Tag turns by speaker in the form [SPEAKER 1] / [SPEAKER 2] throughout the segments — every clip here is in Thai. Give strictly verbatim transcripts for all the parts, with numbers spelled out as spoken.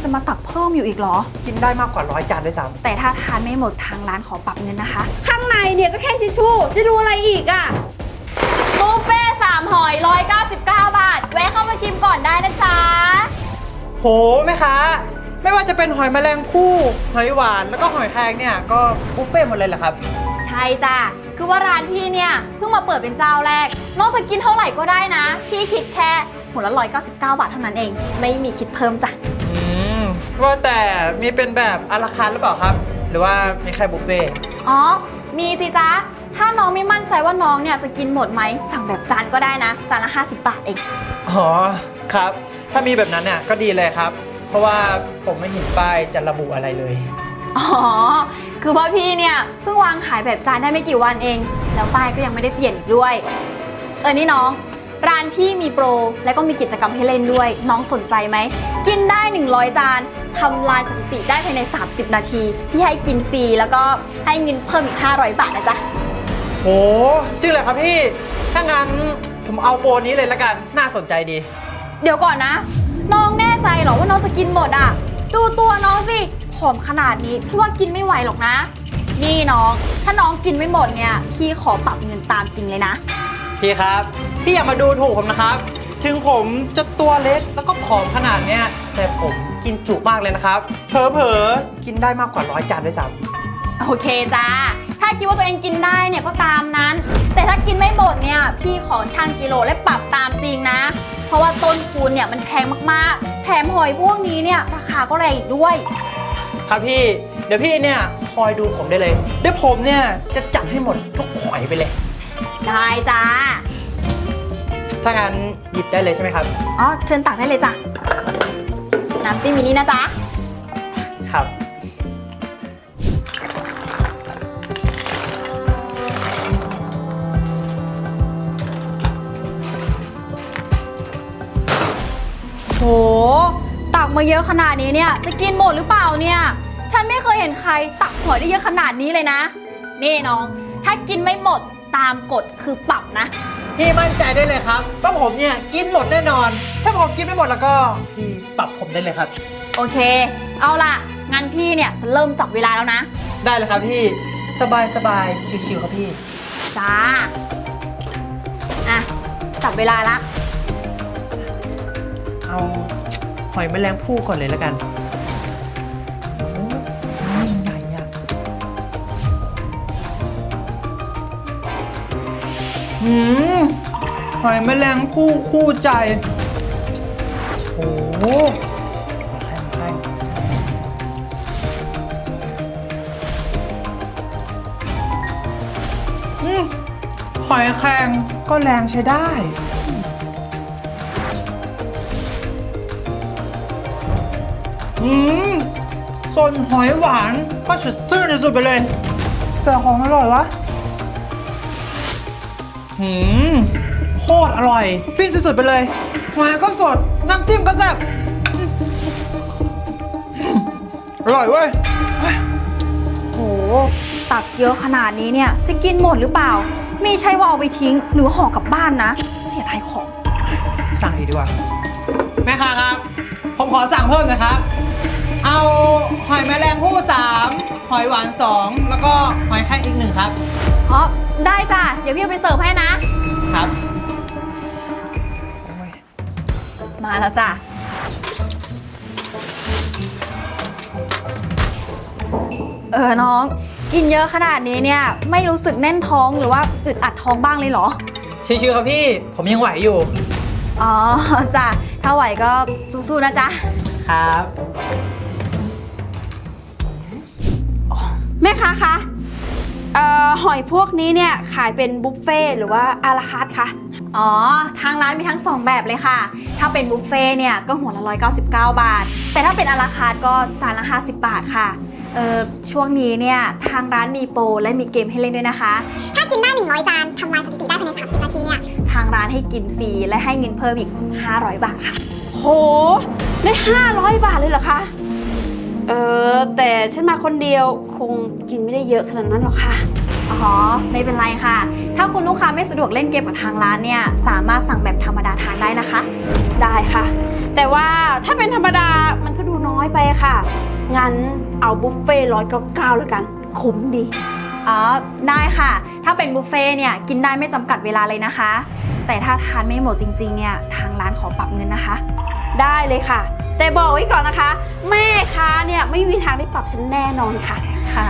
[SPEAKER 1] จะมาตักเพิ่มอยู่อีกเหรอ
[SPEAKER 2] กินได้มากกว่าร้อยจานด้วยซ้
[SPEAKER 1] แต่ถ้าทานไม่หมดทางร้านขอปรับเงินนะคะ
[SPEAKER 3] ข้างในเนี่ยก็แค่ทิชชู่จะดูอะไรอีกอะ
[SPEAKER 4] บุฟเฟ่สามหอยร้อยเก้าสิบเก้าบาท แวะเข้ามาชิมก่อนได้นะจ๊ะ
[SPEAKER 2] ำโหแม่ค้าไม่ว่าจะเป็นหอยแมลงภู่หอยหวานแล้วก็หอยแครงเนี่ยก็บุฟเฟ่ต์หมดเลยเหรอครับ
[SPEAKER 4] ใช่จ้ะ คือว่าร้านพี่เนี่ยเพิ่งมาเปิดเป็นเจ้าแรก นอกจากกินเท่าไหร่ก็ได้นะ พี่คิดแค่หัวละร้อยเก้าสิบเก้าบาทเท่านั้นเอง ไม่มีคิดเพิ่มจ้ะ
[SPEAKER 2] อืมว่าแต่มีเป็นแบบอาราคาร์ทหรือเปล่าครับ หรือว่ามีแค่บุฟเฟ่ต์
[SPEAKER 4] อ๋อ มีสิจ๊ะ ถ้าน้องไม่มั่นใจว่าน้องเนี่ยจะกินหมดไหม สั่งแบบจานก็ได้นะ จานละห้าสิบบาทเอง
[SPEAKER 2] อ๋อครับ ถ้ามีแบบนั้นเนี่ยก็ดีเลยครับ เพราะว่าผมไม่เห็นป้ายจะระบุอะไรเลย
[SPEAKER 4] อ๋อ คือว่าพี่เนี่ยเพิ่งวางขายแบบจานได้ไม่กี่วันเอง แล้วป้ายก็ยังไม่ได้เปลี่ยนอีกด้วย เออนี่น้อง ร้านพี่มีโปร และก็มีกิจกรรมให้เล่นด้วย น้องสนใจไหม กินได้หนึ่งร้อยจานทำลายสถิติได้ภายในสามสิบนาที พี่ให้กินฟรีแล้วก็ให้เงินเพิ่มอีกห้าร้อยบาทนะจ๊ะ
[SPEAKER 2] โหจริงเหรอครับพี่ ถ้างั้นผมเอาโปรนี้เลยละกัน น่าสนใจดี
[SPEAKER 4] เดี๋ยวก่อนนะ น้องแน่ใจเหรอว่าน้องจะกินหมดอ่ะ ดูตัวน้องสิผอมขนาดนี้พี่ว่ากินไม่ไหวหรอกนะ นี่น้อง ถ้าน้องกินไม่หมดเนี่ยพี่ขอปรับเงินตามจริงเลยนะ
[SPEAKER 2] พี่ครับ พี่อย่ามาดูถูกผมนะครับ ถึงผมจะตัวเล็กแล้วก็ผอมขนาดเนี้ยแต่ผมกินจุมากเลยนะครับ เผลอๆ กินได้มากกว่าร้อยจานด้วยซ้ำ
[SPEAKER 4] โอเคจ้า ถ้าคิดว่าตัวเองกินได้เนี่ยก็ตามนั้น แต่ถ้ากินไม่หมดเนี่ยพี่ขอชั่งกิโลและปรับตามจริงนะ เพราะว่าต้นทุนเนี่ยมันแพงมากๆ แถมหอยพวกนี้เนี่ยราคาก็แรงอีกด้วย
[SPEAKER 2] ครับพี่ เดี๋ยวพี่เนี่ยคอยดูผมได้เลย เดี๋ยวผมเนี่ยจะจัดให้หมดทุกหอยไปเลย
[SPEAKER 4] ได้จ้า
[SPEAKER 2] ถ้างั้นหยิบได้เลยใช่ไหมครับ
[SPEAKER 4] อ๋อเชิญตักได้เลยจ้ะ น้ำจิ้มมินินะจ๊ะ
[SPEAKER 2] ครับ
[SPEAKER 4] โห ตักมาเยอะขนาดนี้เนี่ยจะกินหมดหรือเปล่าเนี่ย ฉันไม่เคยเห็นใครตักหอยได้เยอะขนาดนี้เลยนะ นี่น้อง ถ้ากินไม่หมดตามกฎคือปรับนะ
[SPEAKER 2] พี่มั่นใจได้เลยครับว่าผมเนี่ยกินหมดแน่นอน ถ้าผมกินไม่หมดแล้วก็พี่ปรับผมได้เลยครับ
[SPEAKER 4] โอเค เอาล่ะ งั้นพี่เนี่ยจะเริ่มจับเวลาแล้วนะ
[SPEAKER 2] ได้เลยครับพี่ สบายสบายชิวๆครับพี่
[SPEAKER 4] จ้า อ่ะ จับเวลาละ
[SPEAKER 2] เอาหอยแมลงภู่ก่อนเลยแล้วกันโอ้ยใหญ่อะหืมหอยแมลงภู่คู่ใจ โอ้โหแค่แค่อืมหอยแครงก็แรงใช้ได้ อืมส่วนหอยหวานก็สุดซื่อที่สุดไปเลยแต่ของอร่อยวะหืมโคตรอร่อย ฟินสุดๆไปเลยหอยก็สด น้ำจิ้มก็แซ่บอร่อยเว้ย
[SPEAKER 1] โห ตักเยอะขนาดนี้เนี่ยจะกินหมดหรือเปล่า ไม่ใช่ว่าเอาไปทิ้งหรือห่อกลับบ้านนะ เสียดายของ
[SPEAKER 2] สั่งอีกดีกว่า แม่ค้าครับ ผมขอสั่งเพิ่มนะครับ เอาหอยแมลงภู่สามหอยหวานสองแล้วก็หอยแครงอีกหนึ่งครับ
[SPEAKER 4] อ๋อ ได้จ้ะ เดี๋ยวพี่เอาไปเสิร์ฟให้นะ
[SPEAKER 2] ครับ
[SPEAKER 1] มาแล้วจ้ะ เออน้อง กินเยอะขนาดนี้เนี่ยไม่รู้สึกแน่นท้องหรือว่าอึดอัดท้องบ้างเลยเหรอ
[SPEAKER 2] ชิวๆครับพี่ ผมยังไหวอยู่
[SPEAKER 1] อ๋อจ้ะ ถ้าไหวก็สู้ๆนะจ๊ะ
[SPEAKER 2] ครับ
[SPEAKER 3] แม่ค้าคะเอ่อหอยพวกนี้เนี่ยขายเป็นบุฟเฟ่ต์หรือว่าอาราคาร์ทคะ
[SPEAKER 1] อ๋อ ทางร้านมีทั้งสองแบบเลยค่ะ ถ้าเป็นบุฟเฟ่ต์เนี่ยก็หัวละร้อยเก้าสิบเก้าบาท แต่ถ้าเป็นอาราคาร์ทก็จานละห้าสิบบาทค่ะ เออช่วงนี้เนี่ยทางร้านมีโปรและมีเกมให้เล่นด้วยนะคะ
[SPEAKER 5] ถ้ากินได้หนึ่งร้อยจานทำลายสถิติได้ภายในสามสิบนาทีเนี่ย
[SPEAKER 1] ทางร้านให้กินฟรีและให้เงินเพิ่มอีกห้าร้อยบาทค่ะ
[SPEAKER 3] โห ได้ห้าร้อยบาทเลยเหรอคะ เออแต่ฉันมาคนเดียวคงกินไม่ได้เยอะขนาดนั้นหรอกค่ะ
[SPEAKER 1] อ๋อ ไม่เป็นไรค่ะ ถ้าคุณลูกค้าไม่สะดวกเล่นเกมกับทางร้านเนี่ย สามารถสั่งแบบธรรมดาทานได้นะคะ
[SPEAKER 3] ได้ค่ะ แต่ว่าถ้าเป็นธรรมดามันก็ดูน้อยไปค่ะ งั้นเอาบุฟเฟ่ร้อยเก้าเก้าแล้วกัน คุ้มดี
[SPEAKER 1] อ๋อ ได้ค่ะ ถ้าเป็นบุฟเฟ่ต์เนี่ยกินได้ไม่จำกัดเวลาเลยนะคะ แต่ถ้าทานไม่หมดจริงๆเนี่ยทางร้านขอปรับเงินนะคะ
[SPEAKER 3] ได้เลยค่ะ แต่บอกไว้ก่อนนะคะ แม่ค้าเนี่ยไม่มีทางได้ปรับฉันแน่นอนค่ะ
[SPEAKER 1] ค่ะ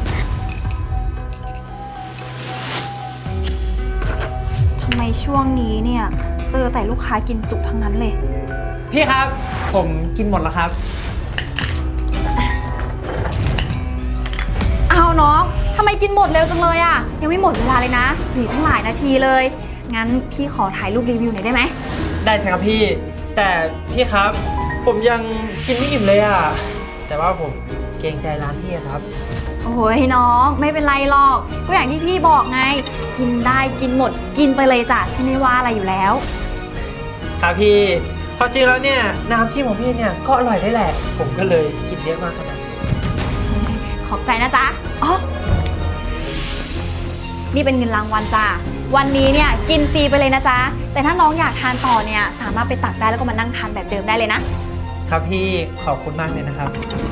[SPEAKER 1] ทำไมช่วงนี้เนี่ยเจอแต่ลูกค้ากินจุทั้งนั้นเลย
[SPEAKER 2] พี่ครับ ผมกินหมดแล้วครับ
[SPEAKER 1] เอาน้องทำไมกินหมดเร็วจังเลยอะยังไม่หมดเวลาเลยนะเหลือตั้งหลายนาทีเลย งั้นพี่ขอถ่ายรูปรีวิวหน่อยได้ไหม
[SPEAKER 2] ได้ครับพี่ แต่พี่ครับ ผมยังกินไม่อิ่มเลยอ่ะ แต่ว่าผมเกรงใจร้านพี่อะครับ
[SPEAKER 1] โอ้ยน้องไม่เป็นไรหรอก ก็อย่างที่พี่บอกไง กินได้กินหมดกินไปเลยจ้ะที่ไม่ว่าอะไรอยู่แล้ว
[SPEAKER 2] ครับพี่ความจริงแล้วเนี่ยน้ำจิ้มของพี่เนี่ยก็อร่อยได้แหละ ผมก็เลยกินเยอะมากขนาดนี้
[SPEAKER 1] ขอบใจนะจ๊ะอ๋อนี่เป็นเงินรางวัลจ้ะวันนี้เนี่ยกินฟรีไปเลยนะจ๊ะแต่ถ้าน้องอยากทานต่อเนี่ยสามารถไปตักได้แล้วก็มานั่งทานแบบเดิมได้เลยนะ
[SPEAKER 2] ครับพี่ขอบคุณมากเลยนะครับ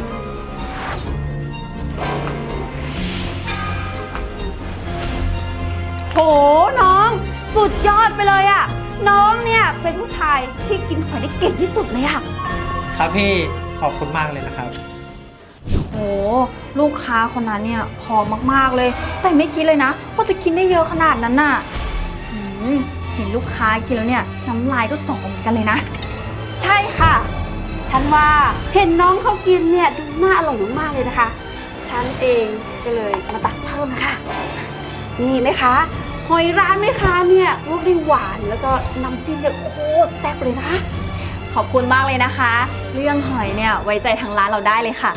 [SPEAKER 3] โหน้องสุดยอดไปเลยอะน้องเนี่ยเป็นผู้ชายที่กินหอยได้เก่งที่สุดเลยอะ
[SPEAKER 2] ครับพี่ขอบคุณมากเลยนะครับ
[SPEAKER 1] โหลูกค้าคนนั้นเนี่ยผอมมากๆเลย แต่ไม่คิดเลยนะว่าจะกินได้เยอะขนาดนั้นน่ะหืมเห็นลูกค้ากินแล้วเนี่ยน้ำลายก็สอเหมือนกันเลยนะ
[SPEAKER 3] ใช่ค่ะ ฉันว่าเห็นน้องเขากินเนี่ยดูน่าอร่อยมากๆเลยนะคะ ฉันเองก็เลยมาตักเพิ่มนะคะนี่ไหมคะหอยร้านไหมคะเนี่ยรสได้หวานแล้วก็น้ำจิ้มเนี่ยโคตรแซ่บเลยนะคะ
[SPEAKER 1] ขอบคุณมากเลยนะคะ เรื่องหอยเนี่ยไว้ใจทางร้านเราได้เลยค่ะ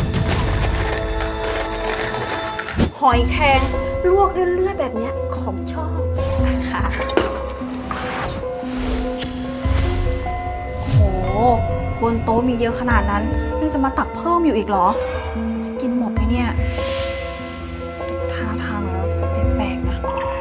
[SPEAKER 3] หอยแครงลวกเลื่อยๆแบบเนี้ยของชอบ
[SPEAKER 1] ค่ะ โหบนโต๊ะมีเยอะขนาดนั้นยังจะมาตักเพิ่มอยู่อีกเหรอ จะกินหมดไหมเนี่ยท่าทางแล้วแปลกๆนะ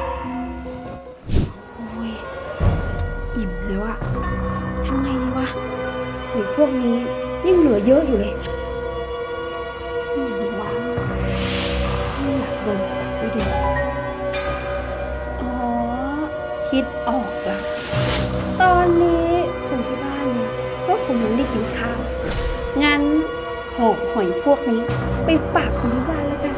[SPEAKER 3] โอ้ยอิ่มแล้วอะทำไงดีวะหรือพวกนี้ยังเหลือเยอะอยู่เลยนี่ดีวะไม่อยากโดนตักด้วยดิอ๋อ คิดออกละตอนนี้คนที่บ้านเนี่ยก็คงยังไม่ได้กินข้าว งั้นหอบหอยพวกนี้ไปฝากคนที่บ้านแล้วกัน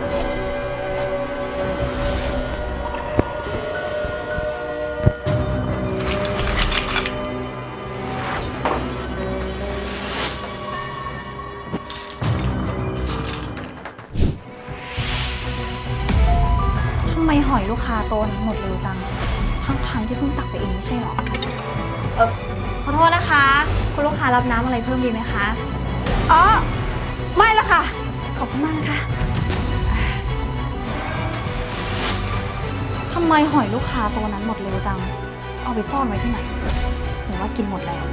[SPEAKER 1] ทำไมหอยลูกค้าโตนั้นหมดเร็วจัง ทั้งทางๆที่เพิ่งตักไปเองไม่ใช่หรอ เออขอโทษนะคะ คุณลูกค้ารับน้ำอะไรเพิ่มดีไหมคะ
[SPEAKER 3] อ๋อ ไม่ละค่ะ ขอบคุณมากนะคะ
[SPEAKER 1] ทำไมหอยลูกค้าตัวนั้นหมดเร็วจัง เอาไปซ่อนไว้ที่ไหน หรือว่ากินหมดแล้ว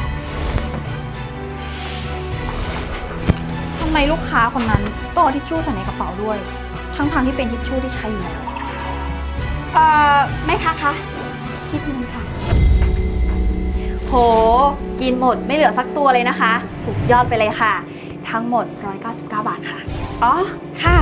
[SPEAKER 1] ทำไมลูกค้าคนนั้นต้องเอาทิชชู่ใส่ในกระเป๋าด้วย ทั้งๆที่เป็นทิชชู่ที่ใช้อยู่แล้ว
[SPEAKER 3] เอ่อแม่ค้าคะคิดเงินค่ะ
[SPEAKER 1] โห กินหมดไม่เหลือสักตัวเลยนะคะ สุดยอดไปเลยค่ะ ทั้งหมดหนึ่งร้อยเก้าสิบเก้าบาทค่ะ
[SPEAKER 3] อ๋อ ค่ะ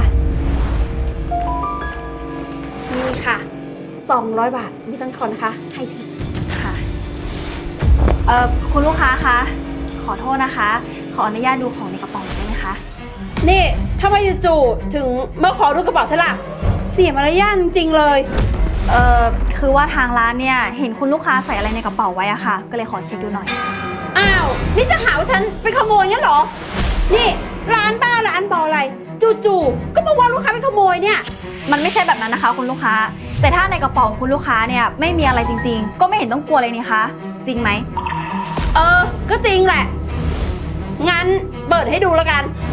[SPEAKER 3] นี่ค่ะ สองร้อยบาทไม่ต้องทอนนะคะ ให้ที
[SPEAKER 1] ค่ะ เอ่อ คุณลูกค้าคะ ขอโทษนะคะ ขออนุญาตดูของในกระเป๋าหน่อยได้ไหมคะ
[SPEAKER 3] นี่ทำไมจู่ๆถึงมาขอดูกระเป๋าฉันล่ะ เสียมารยาทจริงๆเลย
[SPEAKER 1] เอ่อ คือว่าทางร้านเนี่ย เห็นคุณลูกค้าใส่อะไรในกระเป๋าไว้อะค่ะ ก็เลยขอเช็คดูหน่อย
[SPEAKER 3] อ้าว นี่จะหาว่าฉันไปขโมยงั้นเหรอ นี่ร้านบ้าร้านบออะไร จู่ๆก็มาว่าลูกค้าไปขโมยเนี่ย
[SPEAKER 1] มันไม่ใช่แบบนั้นนะคะ คุณลูกค้า แต่ถ้าในกระเป๋าของคุณลูกค้าเนี่ยไม่มีอะไรจริงๆ ก็ไม่เห็นต้องกลัวเลยนี่คะ จริงไหม
[SPEAKER 3] เออ ก็จริงแหละ งั้นเปิดให้ดูแล้วกัน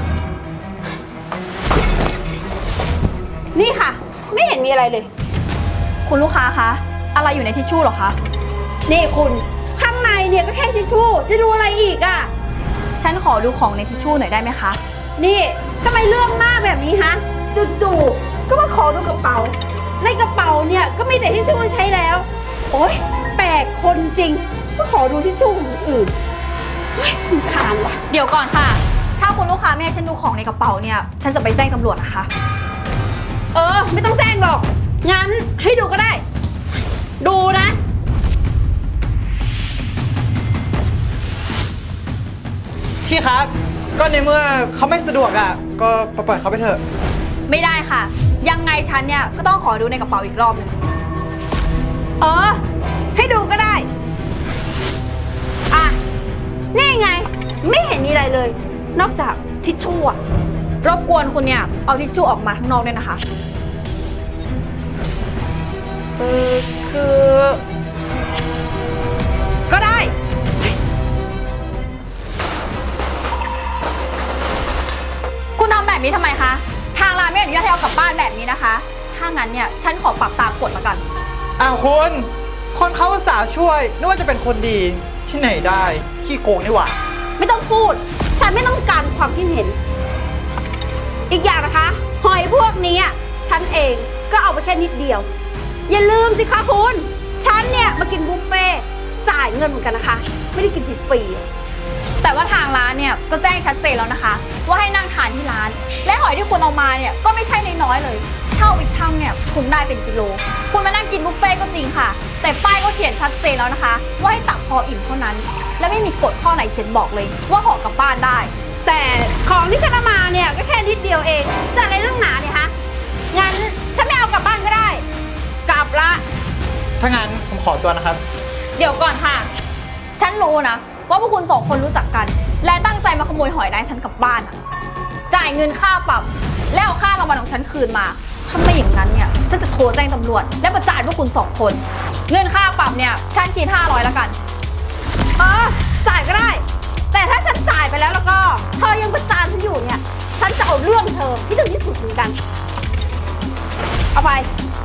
[SPEAKER 3] นี่ค่ะ ไม่เห็นมีอะไรเลย
[SPEAKER 1] คุณลูกค้าคะ อะไรอยู่ในทิชชู่เหรอคะ
[SPEAKER 3] นี่คุณข้างในเนี่ยก็แค่ทิชชู่ จะดูอะไรอีกอะ่ะ
[SPEAKER 1] ฉันขอดูของในทิชชู่หน่อยได้ไหมคะ
[SPEAKER 3] นี่ทำไมเรื่องมากแบบนี้ฮะจู่ๆก็มาขอดูกระเป๋าในกระเป๋าเนี่ยก็มีแต่ทิชชู่ใช้แล้ว โอ๊ยแปลกคนจริงก็ขอดูทิชชู่ของคนอื่นเฮ้ยรำคาญว่ะ
[SPEAKER 4] เดี๋ยวก่อนค่ะ ถ้าคุณลูกค้าไม่ให้ฉันดูของในกระเป๋าเนี่ย ฉันจะไปแจ้งตำรวจนะคะ
[SPEAKER 3] เออ ไม่ต้องแจ้งหรอก งั้นให้ดูก็ได้ ดูนะ
[SPEAKER 2] พี่ครับ ก็ในเมื่อเขาไม่สะดวกอ่ะ ก็ปล่อยเขาไปเถอะ
[SPEAKER 4] ไม่ได้ค่ะ ยังไงฉันเนี่ยก็ต้องขอดูในกระเป๋าอีกรอบหนึ่ง
[SPEAKER 3] เออ ให้ดูก็ได้ อ่ะ นี่ไง ไม่เห็นมีอะไรเลย นอกจากทิชชู่อะ
[SPEAKER 4] รบกวนคุณเนี่ยเอาทิชชู่ออกมาข้างนอกด้วยนะคะ
[SPEAKER 3] เออ คือ ก็ได้
[SPEAKER 4] คุณทำแบบนี้ทำไมคะ ทางร้านไม่อนุญาตให้เอากลับบ้านแบบนี้นะคะ ถ้างั้นเนี่ยฉันขอปรับตามกฎละกัน
[SPEAKER 2] อ้าวคุณ คนเขาอุตส่าห์ช่วยนึกว่าจะเป็นคนดีที่ไหนได้ขี้โกงนี่หว่า
[SPEAKER 3] ไม่ต้องพูด ฉันไม่ต้องการความคิดเห็น อีกอย่างนะคะ หอยพวกนี้อะฉันเองก็เอาไปแค่นิดเดียว อย่าลืมสิคะคุณ ฉันเนี่ยมากินบุฟเฟ่ต์จ่ายเงินเหมือนกันนะคะ ไม่ได้กินฟรีๆอะ
[SPEAKER 4] แต่ว่าทางร้านเนี่ยก็แจ้งชัดเจนแล้วนะคะ ว่าให้นั่งทานที่ร้าน และหอยที่คุณเอามาเนี่ยก็ไม่ใช่น้อยๆเลยเท่าอีกช่างเนี่ยคุณได้เป็นกิโล คุณมานั่งกินบุฟเฟ่ต์ก็จริงค่ะ แต่ป้ายก็เขียนชัดเจนแล้วนะคะ ว่าให้ตักพออิ่มเท่านั้น และไม่มีกฎข้อไหนเขียนบอกเลย ว่าห่อกลับบ้านได้
[SPEAKER 3] แต่ของที่ฉันเอามาเนี่ยก็แค่นิดเดียวเองจะอะไรเรื่องหนาเนี่ยฮะ งั้นฉันไม่เอากลับบ้านก็ได้ กลับละ
[SPEAKER 2] ถ้างั้นผมขอตัวนะครับ
[SPEAKER 4] เดี๋ยวก่อนค่ะ ฉันรู้นะว่าพวกคุณสองคนรู้จักกัน และตั้งใจมาขโมยหอยได้ฉันกลับบ้านอะจ่ายเงินค่าปรับ แล้วเอาค่ารางวัลของฉันคืนมา ถ้าไม่อย่างนั้นเนี่ยฉันจะโทรแจ้งตำรวจ และประจานพวกคุณสองคน เงินค่าปรับเนี่ยฉันคิดห้าร้อยแล้วกัน
[SPEAKER 3] เออ จ่ายก็ได้ แต่ถ้าฉันจ่ายไปแล้วแล้วก็เธอยังประจานฉันอยู่เนี่ย ฉันจะเอาเรื่องเธอที่ถึงที่สุดเหมือนกัน เอาไป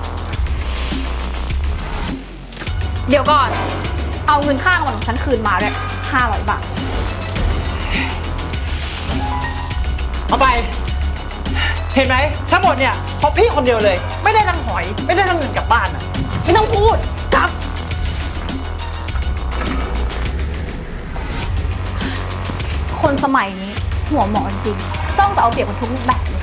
[SPEAKER 4] เดี๋ยวก่อน เอาเงินค่ารางวัลของฉันคืนมาด้วยห้าร้อยบาท
[SPEAKER 2] เอาไป เห็นไหมทั้งหมดเนี่ยเพราะพี่คนเดียวเลย ไม่ได้ทั้งหอย ไม่ได้ทั้งเงินกลับบ้านอ่ะ
[SPEAKER 3] ไม่ต้องพูด กลับ
[SPEAKER 4] คนสมัยนี้หัวหมอจริงจ้องจะเอาเปรียบคนทุกรูปแบบเลย